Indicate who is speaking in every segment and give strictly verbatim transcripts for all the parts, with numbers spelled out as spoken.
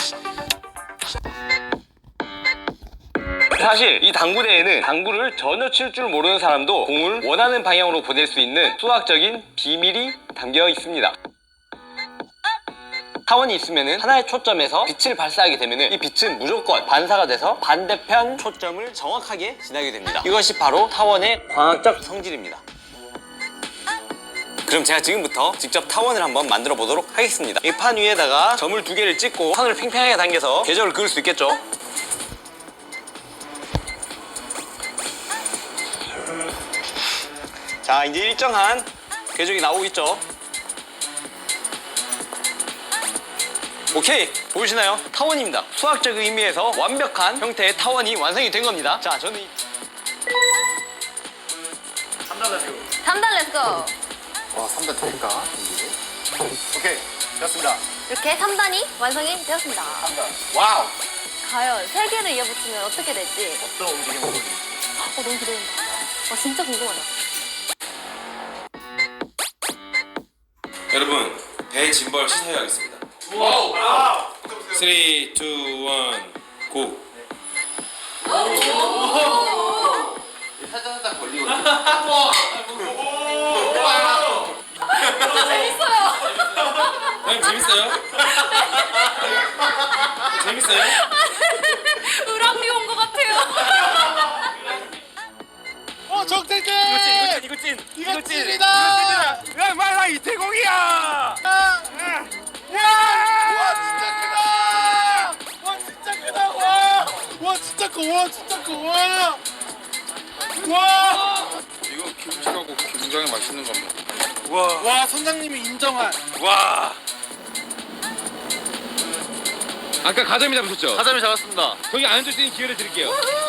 Speaker 1: 사실 이 당구대회는 당구를 전혀 칠 줄 모르는 사람도 공을 원하는 방향으로 보낼 수 있는 수학적인 비밀이 담겨 있습니다. 타원이 있으면 하나의 초점에서 빛을 발사하게 되면 이 빛은 무조건 반사가 돼서 반대편 초점을 정확하게 지나게 됩니다. 이것이 바로 타원의 광학적 성질입니다. 그럼 제가 지금부터 직접 타원을 한번 만들어 보도록 하겠습니다. 이 판 위에다가 점을 두 개를 찍고 선을 팽팽하게 당겨서 궤적을 그을 수 있겠죠? 자, 이제 일정한 궤적이 나오고 있죠? 오케이, 보이시나요? 타원입니다. 수학적 의미에서 완벽한 형태의 타원이 완성이 된 겁니다. 자, 저는 이... 삼 단 렛츠고.
Speaker 2: 삼 단 렛츠고.
Speaker 3: 와, 삼 단 될까? 오케이, 됐습니다.
Speaker 2: 이렇게 삼 단이 완성이 되었습니다.
Speaker 3: 삼 단. 와우!
Speaker 2: 과연 세 개를 이어붙이면 어떻게 될지.
Speaker 3: 어떤 움직임을 보여줄지.
Speaker 2: 어, 너무 기대된다. 와, 진짜 궁금하다.
Speaker 4: 여러분, 배 짐벌 시사해야겠습니다.
Speaker 3: 와우! 와우!
Speaker 4: 삼, 이, 일, 고!
Speaker 3: 살짝살짝 걸리거든요.
Speaker 2: 재밌어요.
Speaker 4: 형님 재밌어요? 재밌어요?
Speaker 2: 우랑비 온 것 같아요.
Speaker 3: 어, 정태진!
Speaker 1: 이거 찐, 이거 찐, 이거
Speaker 3: 이거
Speaker 1: 찐.
Speaker 3: 찐이다!
Speaker 1: 야, 말라 이태공이야!
Speaker 3: 와, 진짜 크다! 와, 진짜 크다! 와! 와, 진짜 커! 와, 진짜 커! 와! 와!
Speaker 5: 이거 김치하고 굉장히 맛있는 겁니다.
Speaker 1: 와,
Speaker 3: 와, 선장님이 인정한.
Speaker 1: 와.
Speaker 4: 아까 가자미 잡으셨죠?
Speaker 1: 가자미 잡았습니다.
Speaker 4: 거기 앉을 수 있는 기회를 드릴게요.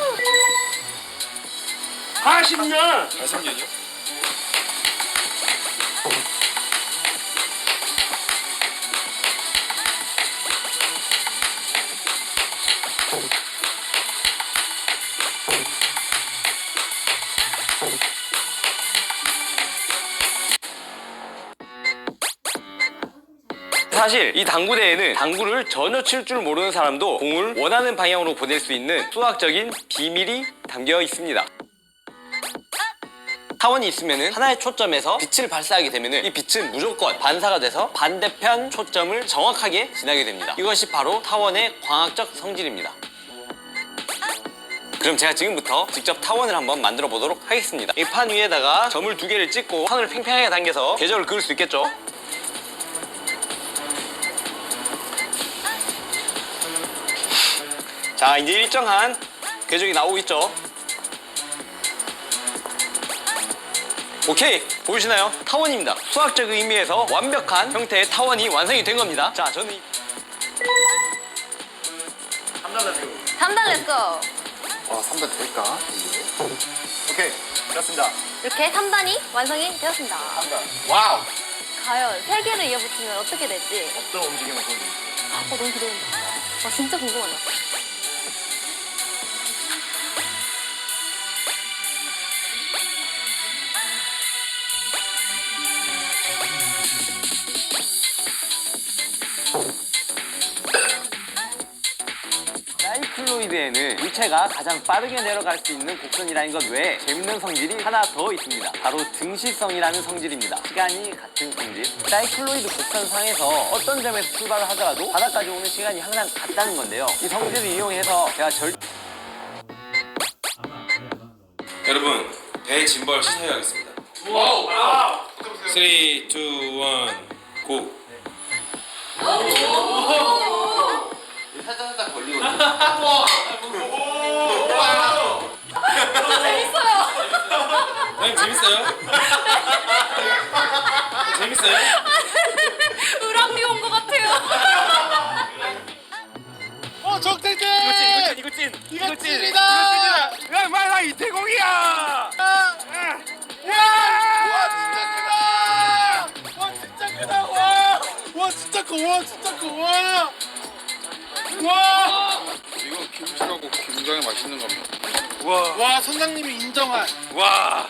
Speaker 1: 사십 년.
Speaker 4: 사십 년이요?
Speaker 1: 사실 이 당구대회는 당구를 전혀 칠 줄 모르는 사람도 공을 원하는 방향으로 보낼 수 있는 수학적인 비밀이 담겨 있습니다. 타원이 있으면 하나의 초점에서 빛을 발사하게 되면 이 빛은 무조건 반사가 돼서 반대편 초점을 정확하게 지나게 됩니다. 이것이 바로 타원의 광학적 성질입니다. 그럼 제가 지금부터 직접 타원을 한번 만들어 보도록 하겠습니다. 이 판 위에다가 점을 두 개를 찍고 선을 팽팽하게 당겨서 궤적을 그을 수 있겠죠? 자, 이제 일정한 궤적이 나오고 있죠? 오케이, 보이시나요? 타원입니다. 수학적 의미에서 완벽한 형태의 타원이 완성이 된 겁니다. 자, 저는 이... 삼 단 렛츠고.
Speaker 2: 삼 단 렛츠고.
Speaker 3: 와, 삼 단 될까? 오케이, 됐습니다.
Speaker 2: 이렇게 삼 단이 완성이 되었습니다.
Speaker 3: 삼 단. 와우!
Speaker 2: 과연 세 개를 이어붙이면 어떻게 될지.
Speaker 3: 어떤 움직임을 보여줄지.
Speaker 2: 어, 너무 기대된다. 와, 진짜 궁금하다.
Speaker 1: 사이클로이드에는 물체가 가장 빠르게 내려갈 수 있는 곡선이라는 것 외에 재밌는 성질이 하나 더 있습니다. 바로 등시성이라는 성질입니다. 시간이 같은 성질. 사이클로이드 곡선상에서 어떤 점에서 출발을 하더라도 바닥까지 오는 시간이 항상 같다는 건데요. 이 성질을 이용해서 제가 절...
Speaker 4: 여러분, 배 짐벌 시사해야겠습니다.
Speaker 3: 와우! 와우!
Speaker 4: 삼, 이, 일, 고!
Speaker 3: 살짝살짝 걸리거든요.
Speaker 2: 재밌어요.
Speaker 4: 형님 재밌어요? 재밌어요?
Speaker 2: 우랑비 온 것 같아요.
Speaker 3: 어, 정태진!
Speaker 1: 이거 찐, 이거 찐, 이거 찐.
Speaker 3: 이거 찐이다!
Speaker 1: 야, 말라 이태공이야!
Speaker 3: 와, 진짜 크다! 와, 진짜 크다! 와! 와, 진짜 커! 와, 진짜 커! 와! 와!
Speaker 5: 이거 김치하고 굉장히 맛있는 겁니다.
Speaker 1: 와,
Speaker 3: 와, 선장님이 인정한.
Speaker 1: 와.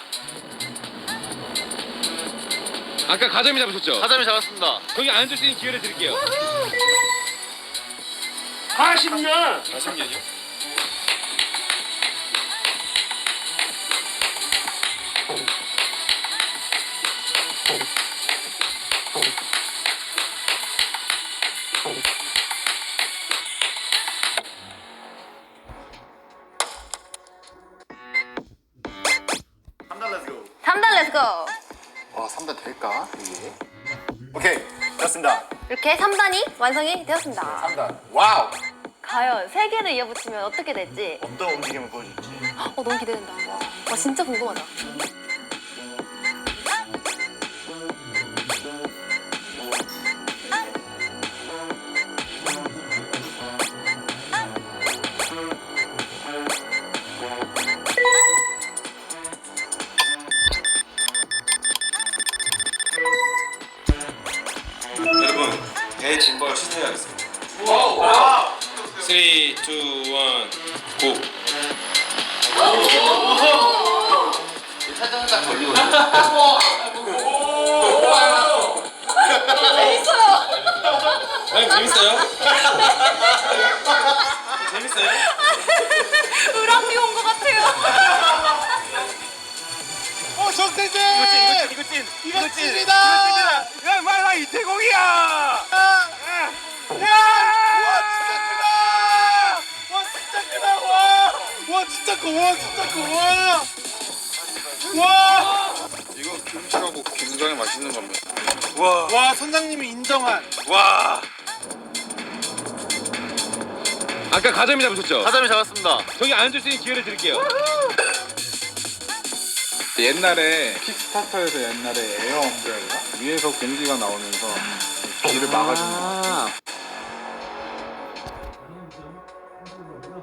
Speaker 4: 아까 가자미 잡으셨죠?
Speaker 1: 가자미 잡았습니다.
Speaker 4: 거기 앉을 수 있는 기회를 드릴게요.
Speaker 3: 사십 년.
Speaker 4: 사십 년이요?
Speaker 2: 삼 단 렛츠고.
Speaker 3: 와, 삼 단 될까? 이게? 오케이, 됐습니다.
Speaker 2: 이렇게 삼 단이 완성이 되었습니다.
Speaker 3: 삼 단. 와우.
Speaker 2: 과연 세 개를 이어붙이면 어떻게 될지
Speaker 3: 어떤 움직임을 보여줄지.
Speaker 2: 어, 너무 기대된다. 와, 진짜 궁금하다.
Speaker 4: 여러분 배 짐벌 시도해야겠습니다. 삼, 이, 일, 고! 형님 재밌어요? 재밌어요?
Speaker 2: 으랑비 온 것 같아요.
Speaker 3: 어, 정태진!
Speaker 1: 이거 찐, 이거 찐,
Speaker 3: 이거
Speaker 1: 이거 찐.
Speaker 3: 찐이다!
Speaker 1: 야, 빨리 나 이태공이야!
Speaker 3: 야! 와, 진짜 크다! 와, 진짜 크다! 와! 와, 진짜 커! 와, 진짜 커! 와! 와!
Speaker 5: 이거 김치라고 굉장히 맛있는 겁니다.
Speaker 3: 와, 와, 선장님이 인정한.
Speaker 1: 와. 아까 가자미 잡으셨죠?
Speaker 3: 가자미 잡았습니다.
Speaker 1: 저기 앉을 수 있는 기회를 드릴게요.
Speaker 5: 옛날에 킥스타터에서 옛날에 에어 엄브렐라 위에서 공기가 나오면서 길을 막아주는 거.
Speaker 1: 아.